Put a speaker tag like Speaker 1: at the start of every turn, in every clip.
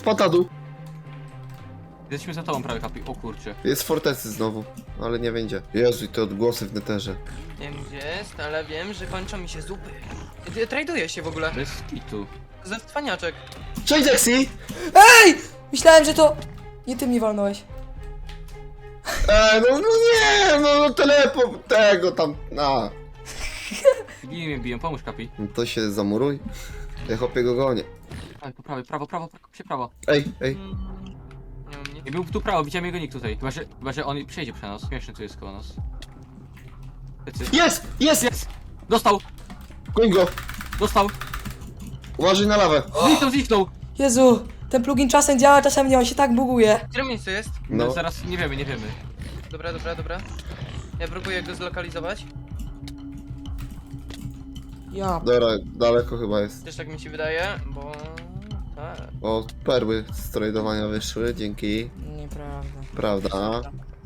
Speaker 1: Patadu.
Speaker 2: Jesteśmy za tobą prawie, Kapi. O kurczę.
Speaker 1: Jest w fortecy znowu, ale nie będzie. Jezu, i te odgłosy w neterze.
Speaker 3: Nie wiem gdzie jest, ale wiem, że kończą mi się zupy. Traduję się w ogóle.
Speaker 2: Bez kitu.
Speaker 3: Ze cwaniaczek.
Speaker 1: Cześć, Jaxi!
Speaker 4: Ej! Myślałem, że to... Nie ty mnie walnąłeś.
Speaker 1: No nie, no teleport tego tam,
Speaker 2: Bije mnie biją, pomóż, Kapi.
Speaker 1: No to się zamuruj. Ja chłopie go gonię.
Speaker 2: Tak, po prawej, prawo, się prawo.
Speaker 1: Ej.
Speaker 3: Nie u mnie.
Speaker 2: I był tu prawo, widziałem jego nick tutaj. Chyba, że on przejdzie przez nas. Śmieszny tu jest koło nas. Lecy.
Speaker 1: Jest!
Speaker 2: Jest! Dostał!
Speaker 1: Goń go!
Speaker 2: Dostał!
Speaker 1: Uważaj na lawę.
Speaker 2: Zniknął!
Speaker 4: Jezu, ten plugin czasem działa, czasem nie, on się tak buguje.
Speaker 3: W którym miejscu jest?
Speaker 1: No.
Speaker 2: Zaraz nie wiemy.
Speaker 3: Dobra. Ja próbuję go zlokalizować.
Speaker 4: Ja...
Speaker 1: Dobra, daleko chyba jest.
Speaker 3: Też tak mi się wydaje, bo... Tak.
Speaker 1: O, perły z tradowania wyszły, dzięki.
Speaker 4: Nieprawda.
Speaker 1: Prawda.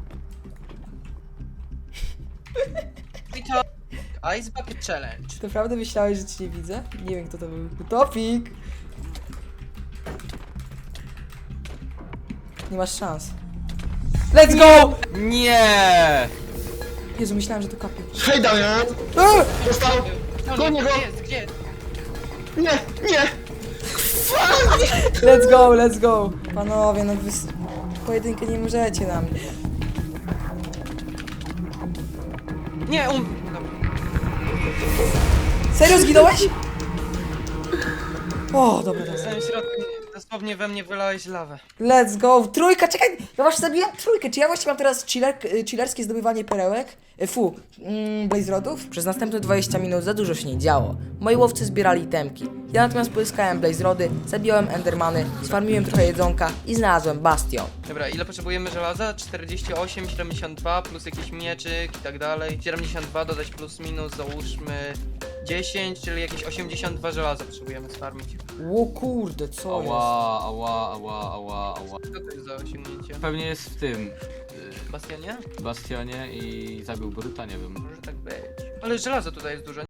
Speaker 3: I to... Ice Bucket Challenge.
Speaker 4: Czy naprawdę myślałeś, że cię nie widzę? Nie wiem, kto to był. Utopik! Nie masz szans. Let's go!
Speaker 2: Nie!
Speaker 4: Jezu, myślałem, że to kapie.
Speaker 1: Hej, Damian! Dostał! Gonię go!
Speaker 3: Gdzie jest?
Speaker 1: Nie!
Speaker 4: Let's go! Panowie, no wy... Pojedynkę nie możecie na mnie.
Speaker 3: Nie, Dobra.
Speaker 4: Serio zginąłeś? O, dobra.
Speaker 3: W samym środku dosłownie we mnie wylałeś lawę.
Speaker 4: Let's go! Trójka, czekaj! Ja właśnie zabiłem trójkę. Czy ja właśnie mam teraz chillerskie zdobywanie perełek? Blaze rodów? Przez następne 20 minut za dużo się nie działo. Moi łowcy zbierali itemki. Ja natomiast pozyskałem blaze rody, zabiłem endermany, sfarmiłem trochę jedzonka i znalazłem bastion.
Speaker 3: Dobra, ile potrzebujemy żelaza? 48, 72, plus jakiś mieczyk i tak dalej. 72 dodać plus minus, załóżmy 10, czyli jakieś 82 żelaza potrzebujemy sfarmić.
Speaker 4: O kurde, co jest?
Speaker 2: Ała.
Speaker 3: Co to jest za osiągnięcie?
Speaker 2: Pewnie jest w tym...
Speaker 3: Bastionie?
Speaker 2: Bastionie i zabił Boruta, nie wiem.
Speaker 3: Może tak być. Ale żelaza tutaj jest dużo.